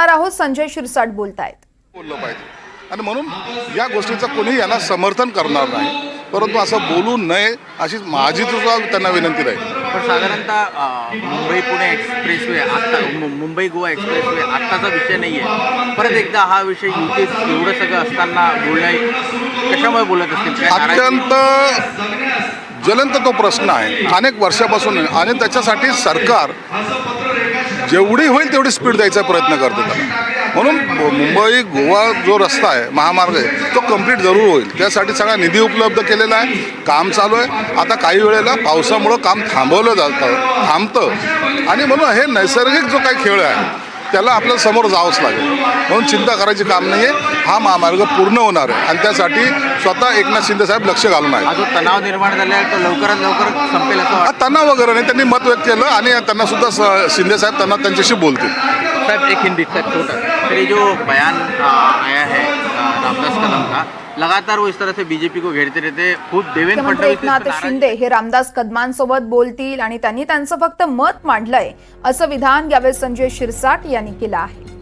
ऐकणार आहोत. संजय शिरसाट बोलतायत. बोललं पाहिजे आणि म्हणून या गोष्टीचं कोणी यांना समर्थन करणार नाही, परंतु असं बोलू नये अशी माझी सुद्धा त्यांना विनंती राहील. पण साधारणतः मुंबई पुणे एक्सप्रेसवे आता मुंबई गोवा एक्सप्रेसवे आत्ताचा विषय नाही आहे. परत एकदा हा विषय युतीत एवढं सगळं असताना कशामुळे बोलत असतील? काय नाराजी? अत्यंत ज्वलंत तो प्रश्न आहे अनेक वर्षापासून आणि त्याच्यासाठी सरकार जेवढी होईल तेवढी स्पीड द्यायचा प्रयत्न करते त्याला. म्हणून मुंबई गोवा जो रस्ता आहे, महामार्ग आहे, तो कंप्लीट जरूर होईल. त्यासाठी सगळा निधी उपलब्ध केलेला आहे, काम चालू आहे. आता काही वेळेला पावसामुळं काम थांबतं आणि म्हणून हे नैसर्गिक जो काही खेळ आहे त्याला आपल्याला समोर जावंच लागेल. म्हणून चिंता करायची काम नाही आहे. हा महामार्ग पूर्ण होणार आहे आणि त्यासाठी स्वतः एकनाथ शिंदे साहेब लक्ष घालून आहे. हा जो तणाव निर्माण झाला आहे तो लवकरात लवकर संपेल असं हा वाटतं. तणाव वगैरे नाही, त्यांनी मत व्यक्त केलं आणि त्यांना सुद्धा शिंदे साहेब त्यांच्याशी बोलतील. साहब एक हिंदी सर छोटा, फिर ये जो बयान आया है रामदास कदम का, लगातार वो इस तरह से बीजेपी को घेरते रहते. खुद देवेंद्र मुख्यमंत्री फडणवीस एकनाथ शिंदे हे रामदास कदमांसोबत बोलतील आणि त्यांनी त्यांचं फक्त मत मांडलंय असं विधान यावेळी संजय शिरसाट यांनी केलं आहे.